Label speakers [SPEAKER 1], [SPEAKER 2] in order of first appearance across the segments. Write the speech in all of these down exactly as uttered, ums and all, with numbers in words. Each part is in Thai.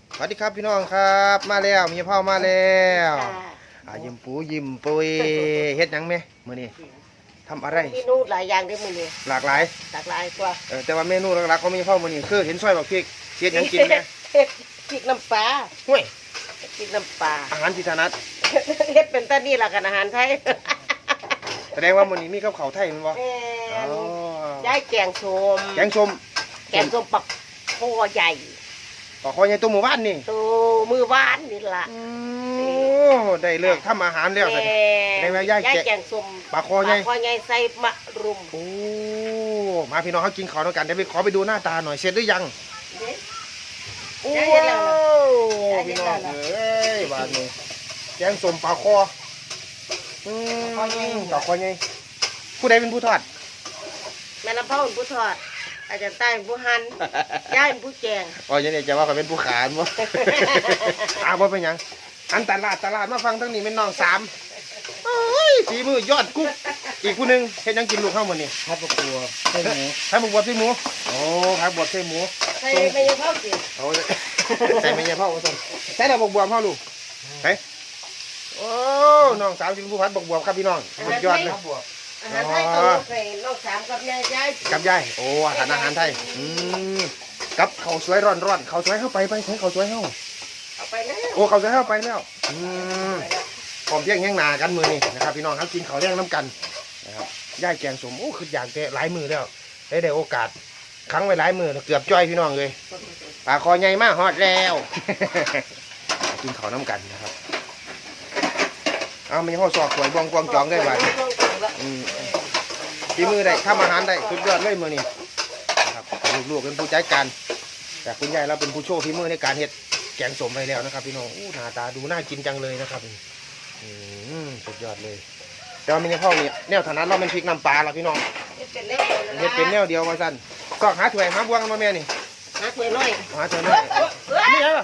[SPEAKER 1] สวัสดีครับพี่น้องครับมาแล้วมีพ่อมาแล้วอ่ายิ้มปูยิ้มปุยเฮ็ดหยังไหมมื้อนี้ทำอะไร
[SPEAKER 2] เมนูหลายอย่างได้มื้อนี้
[SPEAKER 1] หลากหลาย
[SPEAKER 2] หลากหลายตัว
[SPEAKER 1] เออแต่ว่าเมนูหลักๆของมีพ่อมื้อนี้คือเห็นซอยบักพริกเฮ็ดหยังกินแหม
[SPEAKER 2] เฮ็ดพริกน้ำปลา
[SPEAKER 1] ห้วย
[SPEAKER 2] พริกน้ำปลา
[SPEAKER 1] อาหารที่ถนัด
[SPEAKER 2] เฮ็ดเป็นตานี่ล่ะกันอาหารไทย
[SPEAKER 1] แสดงว่ามื้อนี้มีกับข้าวไทยแม่นบ่
[SPEAKER 2] แม่
[SPEAKER 1] อ๋อน
[SPEAKER 2] ยายแกงส้ม
[SPEAKER 1] แกงส้ม
[SPEAKER 2] แกงส้มปักคอใหญ่
[SPEAKER 1] ปลาคอใหญ่ตัวหมู่บ้านนี่
[SPEAKER 2] ตัวมือหวานนี่ล่ะ
[SPEAKER 1] โอ้ได้เลิกทำอาหารแล้ว
[SPEAKER 2] แม่
[SPEAKER 1] ได้ไหมยายแกะ
[SPEAKER 2] แกงส้ม
[SPEAKER 1] ปลาคอใหญ่
[SPEAKER 2] ปลาคอใหญ่ใส่มะรุม
[SPEAKER 1] โอ้มาพี่น้องเขากินข้าวด้วยกันเดี๋ยวไปขอไปดูหน้าตาหน่อยเสร็จหรือยัง
[SPEAKER 2] เด้
[SPEAKER 1] โอ้
[SPEAKER 2] ได้เห็นแล้วเหรอ
[SPEAKER 1] พี่น้องเอ้ยบ้านนี้แกงส้มปลาคออืมปลาคอไงผู้ใดเป็นผู้ทอด
[SPEAKER 2] แม่ลำเผาเป็นผู้ทอด อาจารย์ใต้เป็นผู้หั่นยายเป็นผู้แกง
[SPEAKER 1] อ๋อยังนี่จะว่าเขาเป็นผู้ขานบ่ อ้าวบ่เป็นหยังอันตลาดตลาดมาฟังทั้งนี้เป็นน้องสามโอ้ยฝีมือยอดกุ๊กอีกผู้หนึงเฮ็ดหยังกินลูกข้าวมื้อนี้
[SPEAKER 3] ข้าวปลากัวไส้หมู
[SPEAKER 1] ผักบวบใส่หมูโอ้ผักบวบใส่หมู
[SPEAKER 2] ใส่ไม่ยังเผาสิ
[SPEAKER 1] โอ้ใส่ไม่ใช่พ่อว่าซั่นใส่ดอกบวบเฮาลูกไปโอ้น้องสาวสิเป็นผู้พัดบวบครับพี่น้องสุดยอดเลย
[SPEAKER 3] ข้าวบวบ
[SPEAKER 2] อาหารไทยต้องยกให้น้องสามกับยายยาย
[SPEAKER 1] กับยายโอ้อาหารอาหารไทยอืมกับข้าวสวยร้อนร้อนข้าวสวยเข้าไปไปใช้ข้าวสวยเข้า
[SPEAKER 2] เอาไปแล้ว
[SPEAKER 1] โอ้ข้าวสวยเข้าไปแล้วอืมพร้อมเที่ยงแห้งนากันมือนี่นะครับพี่น้องครับกินข้าวเที่ยงน้ำกันนะครับย่ายแกงสมโอ้คืออยากแต่หลายมือแล้วได้ได้โอกาสครั้งไว้หลายมือเกือบจ้อยพี่น้องเลยปลาคอใหญ่มากฮอดแล้ว กินข้าวน้ำกันนะครับเอามีห่อสอกสวยบวงกวงจองได้บ้างอืมที่มือได้ทำอาหารได้สุดยอดเลยมือนี่นะครับลูกๆเป็นผู้ใจการแต่คุณยายเราเป็นผู้โชว์ฝีมือในการเฮ็ดแกงสมไปแล้วนะครับพี่น้องอู้หน้าตาดูน่ากินจังเลยนะครับอืมสุดยอดเลยแต่ว่ามีพ่อเนี่ยแนวถนัดเราเป็นพริกน้ำปลาละพี่น้อง
[SPEAKER 2] เป็นเล็ก
[SPEAKER 1] เฮ็ดเป็นแนวเดียวมาสั้นก็หาถ้วยหาบวงมาแม่นี่
[SPEAKER 2] หาถ้วยน้อย
[SPEAKER 1] หาถ้วยน้อยนี่ไงล่ะ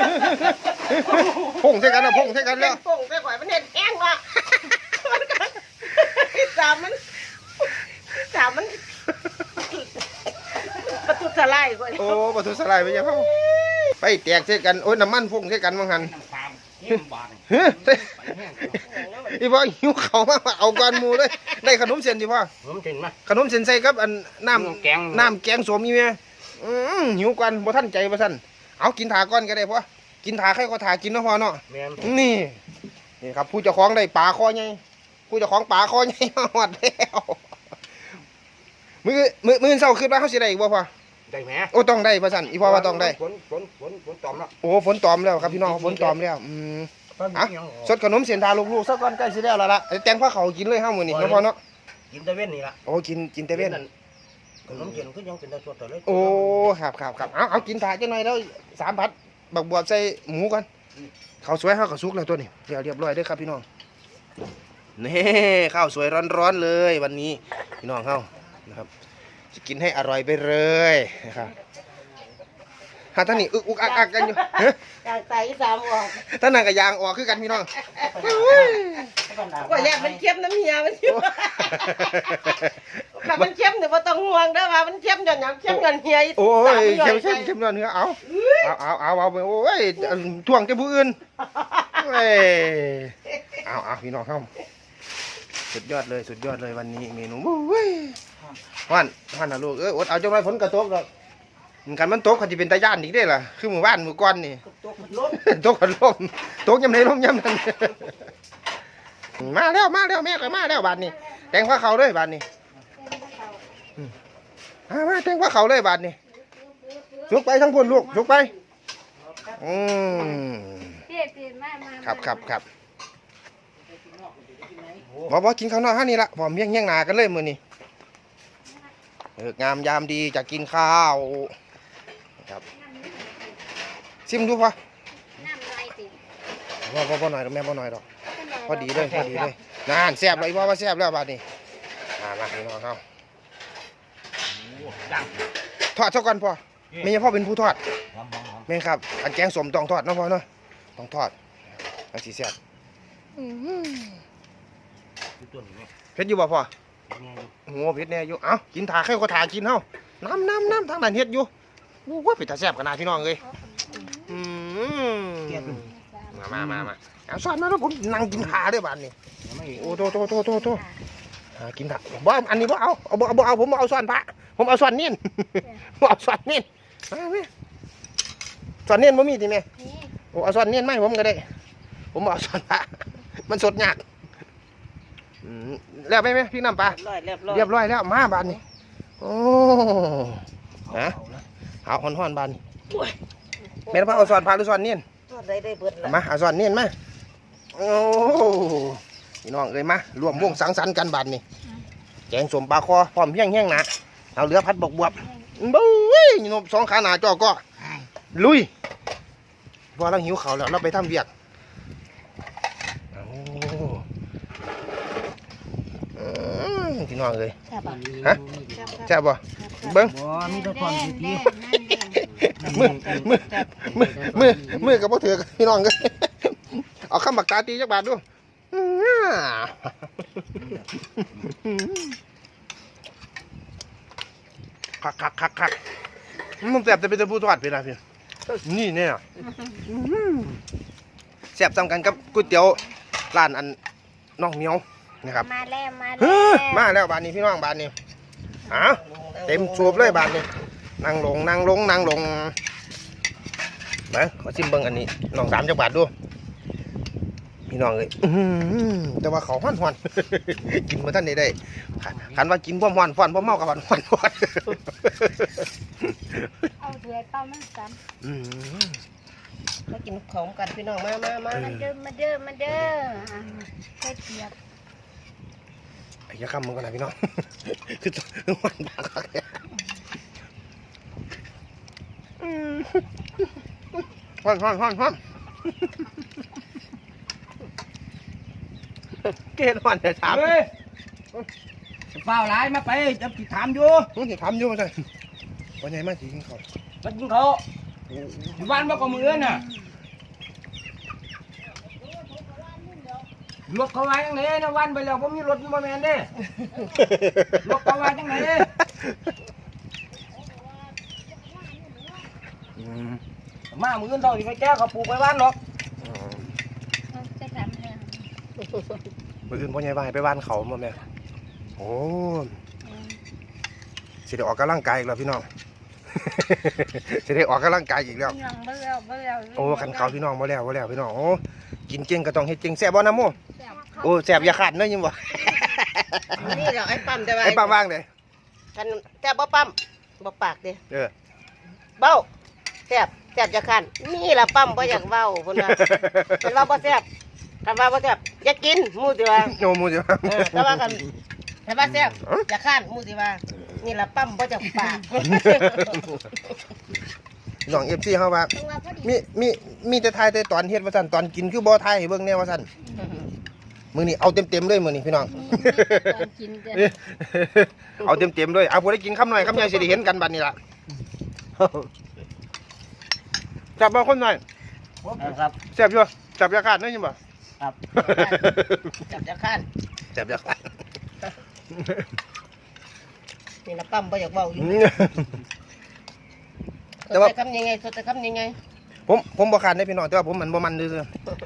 [SPEAKER 1] พงใส่กันแล้วพงใส่กัน
[SPEAKER 2] เล่
[SPEAKER 1] แล้ว
[SPEAKER 2] นโป่งไปก่อยมันเห็ดแห้งว่ะสามมันสามมันประตูสลายก่อน
[SPEAKER 1] โอ้ประตูสลายไปยังพ่อไปแตกใส่กันโอ้ยน้ำมันพงใส่กันบางหัน
[SPEAKER 3] น้ำตาลเยี่ยมบาท
[SPEAKER 1] เฮ้ย
[SPEAKER 3] ไปแห้ง
[SPEAKER 1] อีพ่อหิวเขามาเอากวนหมูเลยได้ขนมเส้นดิพ่อ
[SPEAKER 3] ผมถึงไหม
[SPEAKER 1] ขนมเส้นใส่กับอันน้
[SPEAKER 3] แกง
[SPEAKER 1] ำน้ำแกงสมมีไหมอืมหิวกวนบ่ทันใจบ่ทันเอากินถาก่อนก็ได้พ่อกินถาใครก็ถากินเนาะพ่อเนาะ
[SPEAKER 3] แม่น
[SPEAKER 1] นี่นี่ครับผู้เจ้าของได้ปลาคอใหญ่ผู้เจ้าของปลาคอใหญ่มาหอดแล้วมือมือมือเศร้าขึ้นว่าเขาสิได้อีกบ่พ่อ
[SPEAKER 3] ได้ไหม
[SPEAKER 1] โอ้ต้องได้พ่อสั่นอีพ่อว่าต้องได้
[SPEAKER 3] ฝนฝนฝนฝนตอมแล้ว
[SPEAKER 1] โอ้ฝนตอมแล้วครับพี่น้องฝนตอมแล้วอืมอ่ะสดขนมเสียนทาลูกๆสักก้อนใกล้สิแล้วล่ะล่ะแตงผ้าเขาวกินเลยห้ามื้อนี่เนาะพ่อเนาะ
[SPEAKER 3] กินตะเว้นนี่ละ
[SPEAKER 1] โอ้กินกินแต่เว้น
[SPEAKER 3] ขนมเจียนก็ยังเป็นตะสดแต่เลย
[SPEAKER 1] โอ้ครับครับครับเอาเอากินถาจังหน่อยแล้วสามพัดบักบวบใส่หมูกันข้าวสวยข้าวกระซุกแล้วตัวนี้เรียบเรียบร้อยเด้อครับพี่น้องนี่ข้าวสวยร้อนๆเลยวันนี้พี่น้องเฮานะครับจะกินให้อร่อยไปเลยนะครับถ้าท่านนี่อึกอุกอักอักกันอยู่เฮ้ย
[SPEAKER 2] กางไตสามออก
[SPEAKER 1] ท่านนั่งกับยางออกคือกันพี่น้อง
[SPEAKER 2] ว่าอยากมันเข้มน้ำเหี่ยมันอยู่ถ้ามันเข้มเนี่ยบ่ต้องห่วงเด้อว่ามันเข้มจนหยังเข้มจนเหี่ย
[SPEAKER 1] โอ้ยเข้มเข้มเข้มเนื้อเนื้อเอาเอาเอาเอาเอาไปโอ้ยท่วงจะผู้อื่นเอ้ยเอาเอาพี่น้องเข้าสุดยอดเลยสุดยอดเลยวันนี้เมนูเว้ยวันวันนะลูกเอ้ยอดเอาจังไรฝนกระตกหรอกมันกันมันตกเขาจะเป็นตาย่านอีกได้ล่ะคือหมู่บ้านหมู่ก้อนนี่
[SPEAKER 2] ตัวมันล้ม
[SPEAKER 1] ตกกันลมตกยำไหนลมยำนั้นมาแล้วมาแล้วแม่ก็มาแล้วบาทนี้แต่งผ้าเขาเลยบาทนี้มามาแต่งผ้าเขาเลยบาทนี้ลุกไปทั้งพุ่นลูกลุกไปอืมครับครับครับบอกว่ากินข้าวนอกฮะนี่ละพร้อมเมี่ยงเมี่ยงนากันเลยมื้อนี้เอองามยามดีจะกินข้าวครับซิมดูพอพอพอพอหน่อยแม่พอหน่อยดอกพอดีเลยพอดีเลยนานแซ่บเลยพ่อว่าแซ่บแล้วบาดนี้มามาพี่น้องเขา
[SPEAKER 3] ดัง
[SPEAKER 1] ทอดเท่ากันพ่อไม่ใช่พ่อเป็นผู้ทอด
[SPEAKER 3] หอมหอมหอม
[SPEAKER 1] แม่นครับอันแกงสมต้องทอดเนาะพ่อเนาะต้องทอดอันสีแซ่บ
[SPEAKER 3] อยู่ตัวนี้
[SPEAKER 1] เผ็ดอยู่บ่พ่อ
[SPEAKER 3] เนี่ย
[SPEAKER 1] โอ้โหเผ็ดแน่อยู่เอ้ากินถาใครก็ถากินเฮาน้ำน้ำน้ำทางนั้นเฮ็ดอยู่โอ้โหเผ็ดตาแซ่บขนาดพี่น้องเลยอืมมามามาเอาสอนมาแล้วผมนั่งกินขาด้วยบ้านนี่
[SPEAKER 3] ยังไม่
[SPEAKER 1] โอ้โตโตโตโตโตหากินขาบ่อันนี้บ่เอาเอาบ่บ่เอาผมบ่เอาสอนพระผมเอาสอนเนียนผมเอาสอนเนียนมาแม่สอนเนียนบ่มีติแม่
[SPEAKER 2] นี่
[SPEAKER 1] โอ้เอาสอนเนียนไหมาให้ผมก็ได้ ผมบ่เอาสอนพระมันสดยากอืมแล้วไปไหมพี่น้ำปลา
[SPEAKER 2] เรียบร้อยเรียบร้อย
[SPEAKER 1] เรียบร้อยแล้วมาบ้านนี่โอ้ฮะ
[SPEAKER 3] เอาละ
[SPEAKER 1] เอาห่อนห่อนๆบ้านนี่แม่นพระเอาสอนพระหรือสอนเนียน
[SPEAKER 2] ทอดได้ได้เบิด
[SPEAKER 1] เอา
[SPEAKER 2] ละ
[SPEAKER 1] มาเอาสอนเนียนมาโอ้พี่น้องเอ้ยมารวมวงสังสรรค์กันบ้านนี่แกงสมปลาคอพร้อมเพียงแห้งหนะเอาเรือพัดบกบวบบุ้ยนบสองขาหนาจอก็ลุยพอเราหิวเขาวแล้วเราไปทำเวียกโอ้อืมพี่น้องเอ้ย
[SPEAKER 2] แซ่บปะ
[SPEAKER 1] ฮะ แซ่บบ่เบิ้ง
[SPEAKER 3] บ่มีแตะทอนสิที
[SPEAKER 1] มือมือมือมือมือกับพ่อเถือกพี่น้องกันเอาข้ามบักตาตีจักบาทดูอื้อคักคักคักคักมันแสบจะเป็นตะปูทอดไปนะพี่นี่เนี่ยแสบซ้ำกันกับก๋วยเตี๋ยวร้านอันน้องเหมียวนะครับ
[SPEAKER 2] มาแล้วมา
[SPEAKER 1] เฮ้
[SPEAKER 2] แล้ว
[SPEAKER 1] ยมาแล้วบานนี้พี่น้องบานนี้อ้าวเต็มสูบเลยบานนี้นั่งลงนั่งลงนั่งลงมาขอชิมเบิ้งอันนี้น้องสามจักบาทดูพี่น้องเลยอื้อหือแต่ว่าเขาห้อนห้อน กินมาท่านได้ได้ขันว่ากินพ่อมห้อนฟ้อนพ่อเมากับห้อนห้อนห้อน
[SPEAKER 2] เอาเถื่อยเป้ามันซ้
[SPEAKER 1] อื้อหือ
[SPEAKER 2] ำมากินของกันพี่น้องมามามามาเด้อมาเด้อมาเด้อใส่เกียบ
[SPEAKER 1] ไอ้ยาคำมึงกันนะพี่น้อง คือห้อนปากเขาเนี่ยอื้อห้อนห้อนห้อนห้อน เกณฑ์ห้อนจะถาม
[SPEAKER 3] เฮ้ยจะเฝ้าหลายมาไปจะติดถามอยู่
[SPEAKER 1] มึงจะทำอยู่มั้ยวันไหนมาสิกินข้าว
[SPEAKER 3] มันกินเขาอยู่บ้านบ่ก็มืออื่นน่ะรถเขาไว้จังไดนะวันไปแล้วผมมีรถบ่แม่นเด้รถเขาไว้จังได
[SPEAKER 1] อืม
[SPEAKER 3] มามืออื่นต้องสิไปแก้เขาปลูกไว้บ้านหรอก
[SPEAKER 2] จะทำแล้ว
[SPEAKER 1] มื่อคืนพ่อใหญ่บ้านให้ไปบ้านเขามาแม่โอ้สิได้ออกกำลังกายอีกแล้วพี่น้อง สิได้ออกกำลังกายอีกแล้ว
[SPEAKER 2] ยังบ่แล้วบ่แล้ว
[SPEAKER 1] โอ้ขันเขาพี่น้องมาแล้วมาแล้วพี่น้องโอ้กินเก่งก็ต้องเฮ็ดเก่งแซ่บบ่นะโมโอ้แซ่บอย่าขาดเนอะยิ้มบ่
[SPEAKER 2] นี่เราไอ้ปั๊มจะไว้
[SPEAKER 1] ไอ้ป้าว่างเลย
[SPEAKER 2] กันแซ่บบ่ปั๊มบ่ปากเด้
[SPEAKER 1] เออ
[SPEAKER 2] เบ้าแซ่บแซ่บจะคันนี่ล่ะปั๊มบ่อยากเว้าพุ่นน่ะเป็นว่าบ่แซ่บกันว่าบ่แซ่บอย่ากินหมู่สิว่า
[SPEAKER 1] โยมูจ้ะ
[SPEAKER 2] เออแต่ว่ากันแต่ว่าแซ่บอย่าคันหมู่สิว่านี่ล่ะปั๊มบ่จากปาก
[SPEAKER 1] น้อง เอฟ ซี เฮาว่ามีมีมีแต่ทายแต่ตอนเฮ็ดว่าซั่นตอนกินคือบ่ทายให้เบิ่งแน่ว่าซั่นมื้อนี้เอาเต็มๆเลยมื้อนี้พี่น้อง
[SPEAKER 2] กิน
[SPEAKER 1] เอาเต็มๆเลยเอาผู้ได้กินคำหน่อยคำใหญ่สิได้เห็นกันบัดนี้ล่ะ จับบ่คนหน่อย
[SPEAKER 3] ครับ
[SPEAKER 1] แซ่บอยู่จับยาขาดเนอะยิ้มบ่
[SPEAKER 3] ครับ
[SPEAKER 2] จับจะคัน
[SPEAKER 1] จับยาขาด
[SPEAKER 2] นี่ล่ะปั๊มบ่อยากเว้าอยู่
[SPEAKER 1] แต่ว่า
[SPEAKER 2] สดคำยังไงสดแต่คำยังไง
[SPEAKER 1] ผมผมบ่ขาดได้พี่น้องแต่ว่าผมมันบ่มันซื่อ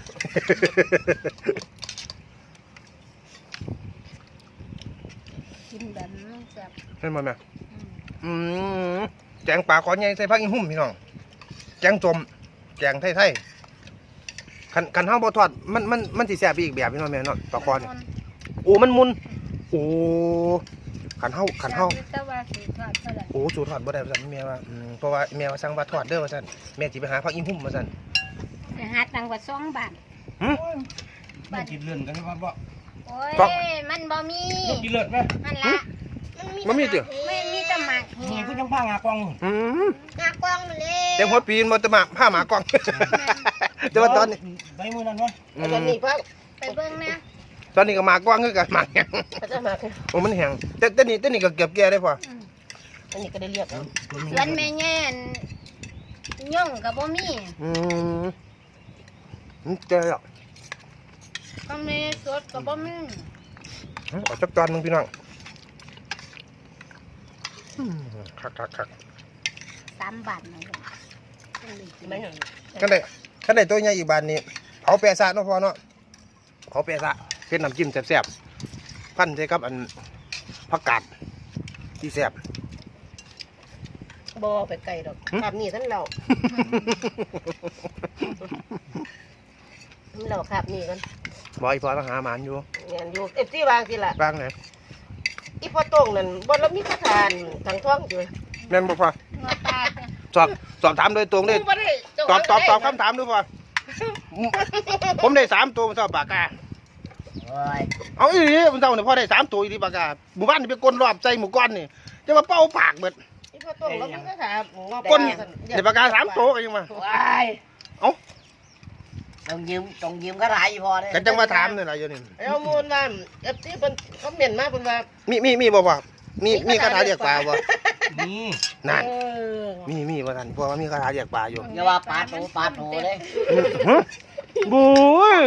[SPEAKER 2] กินแบบนี้แซ่บ
[SPEAKER 1] ๆเห็นบ่แม่อืมแกงปลาขอใหญ่ใส่ผักอีหุ่มพี่น้องแกงจมแกงไทยๆคันคันเฮาบ่ทอดมันมันมันสิแซ่บอีกแบบพี่น้องแม่เนาะปลาคอเนี่ยโอ้มันมุนโอ้คันเฮาคันเฮา
[SPEAKER 2] แต่ว่าสีทอดเท่าไหร่
[SPEAKER 1] โอ้สูตรทอดบ่ได้ว่าซั่นแม่ว่าอืมเพราะว่าแม่ว่าสั่งว่าทอดเด้อว่าซั่นแม่สิไปหาผักอีหุ่มว่าซั่น
[SPEAKER 2] จะหาตังค์กว่าสองบาท
[SPEAKER 1] หึ
[SPEAKER 3] มันกินเลื่อนกันว่าบ่
[SPEAKER 2] โอ้ย
[SPEAKER 1] ครับ
[SPEAKER 2] มันบ่มี
[SPEAKER 3] รถกินเลื่อนไหม
[SPEAKER 2] มันละ
[SPEAKER 1] บ่มีติ
[SPEAKER 2] ไม่มีแต่หมาก
[SPEAKER 3] นี่
[SPEAKER 2] เหี่ย
[SPEAKER 3] ก็ยังพางากอง
[SPEAKER 1] อืม
[SPEAKER 2] หน้ากว้างมาเลย
[SPEAKER 1] เต็มหัวปีนบ่ตะหมาผ้าหมากล้อง แต่ว่าตอนนี้
[SPEAKER 3] ไปมือนั้นวะ
[SPEAKER 1] อื
[SPEAKER 2] ตอน
[SPEAKER 1] ม
[SPEAKER 2] นี้พักไปเบิ่งนะ
[SPEAKER 1] ตอนนี้ก็หมากล้องคือกันหมากแห้ง
[SPEAKER 2] ก็จะหมาก
[SPEAKER 1] โอ้มันแห้งแต่แต่นี่แต่นี่ก็เก็บแก่ได้พอ
[SPEAKER 2] อันนี้ก็ได้เรียกแล้ว
[SPEAKER 4] สวนแม่แง่นย่องกับบ่มี
[SPEAKER 1] อืมมันแก่แล้ว
[SPEAKER 4] ก็มีสดกับบ่มี
[SPEAKER 1] เอาจักจานหนึงพี่น้องอืมคักคักคัก
[SPEAKER 4] สามบาทนะ
[SPEAKER 2] ไม่เห็น
[SPEAKER 1] กันได้กันได้ตัวใหญ่อีกบานนี้เผาแปะซะเนาะพ่อเนาะเผาแปะซะเฮ็ดน้ำจิ้มแซ่บๆพันใส่กับอันผักกาดที่แซ่บ
[SPEAKER 2] บ่ไปไกลดอก
[SPEAKER 1] หึ
[SPEAKER 2] ภาพนี้ท่านเราเราภาพนี้กัน
[SPEAKER 1] บอยพอต้องหาหมานอยู่
[SPEAKER 2] เงี้ยอยู่เอฟซีวางสิล่ะ
[SPEAKER 1] บ้างไหน
[SPEAKER 2] อีพ่อโต้งนั่นบ่เรามีคาถานทางท้องอยู่
[SPEAKER 1] แม่นบ่พ่อ
[SPEAKER 4] หัวปลา
[SPEAKER 1] สอบสอบถามโดยตรงเลย
[SPEAKER 2] บ่ได้เจ้า
[SPEAKER 1] ตอบตอบตอบคำถามดูพ่อผมได้สามตัวมันชอบปากกา
[SPEAKER 3] โอ้ย
[SPEAKER 1] เอาอีหลีมันเท่าเนี่ยพ่อได้สามตัวอีหลีปากกาหมู่บ้านนี่ไปกลนรอบใจหมู่ก้อนนี่จะมาเป้าปากเบิด
[SPEAKER 2] อีพ่อโต้งเรามีคาถา
[SPEAKER 1] ก้นเดี๋ยวปากกาสามตัวกันยังมา
[SPEAKER 3] ว้าย
[SPEAKER 1] เอ้า
[SPEAKER 3] ต้องยืมต้องยืมก็หลายอยู่พอเลย
[SPEAKER 1] กันจังมาถามนี่ล่ะอยู่นี่
[SPEAKER 2] เอามูลว่าเอฟซีเพิ่นคอมเมนต์มาเพิ่นว่า
[SPEAKER 1] มีมีมีบ่พ่อมีมีคาถาเรียกปลาบ่
[SPEAKER 3] นี่
[SPEAKER 1] นั่น
[SPEAKER 2] เออ
[SPEAKER 1] มีมีบ่ท่านพ่อว่ามีคาถาเรียกปลาอยู่
[SPEAKER 3] อย่าว่าปลาโตปลาโตเลย
[SPEAKER 1] ฮะบุ้ย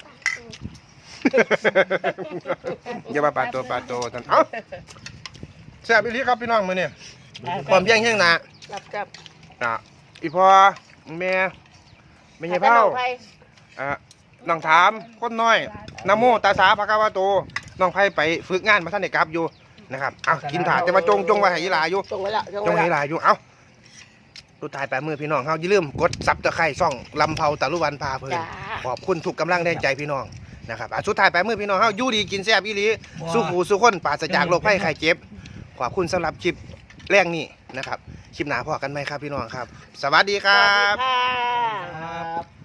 [SPEAKER 1] อย่ามาปลาตัวปลาตัวท่านเอ้าแซ่บอีหลีครับพี่น้องมื้อนี้ความเพียงเฮียงหน้า
[SPEAKER 2] รับจับ
[SPEAKER 1] อ่ะอีพ่อแม่แม่ยายเผาอ่ะน้องถามคนน้อยนะโมตาสาภะคะวะโตน้องไผไปฝึกงานมาท่านได้กลับอยู่นะครับเอากินถาดแต่ว่าจงจงไว้ให้ยีหลาอยู่
[SPEAKER 2] จงไว้ละ
[SPEAKER 1] จงให้ยีหลาอยู่เอ้าสุดท้ายแปดมือพี่น้องเฮาอย่าลืมกดซับตะไคร้ช่องลำเผาตะลุวันพาเพลิน
[SPEAKER 2] จ้า
[SPEAKER 1] ขอบคุณทุกกำลังแรงใจพี่น้องนะครับอ่ะสุดท้ายแปดมือพี่น้องเฮาอยู่ดีกินแซ่บอีหลีสู้หูสู้คนปราศจากโรคภัยไข้เจ็บขอบคุณสำหรับคลิปแรงนี้นะครับคลิปหน้าพอกันไหมครับพี่น้องครับ สวัสดีค
[SPEAKER 2] ส
[SPEAKER 1] รั
[SPEAKER 2] วัสดี
[SPEAKER 1] บ
[SPEAKER 2] ค่ะ
[SPEAKER 3] ครับ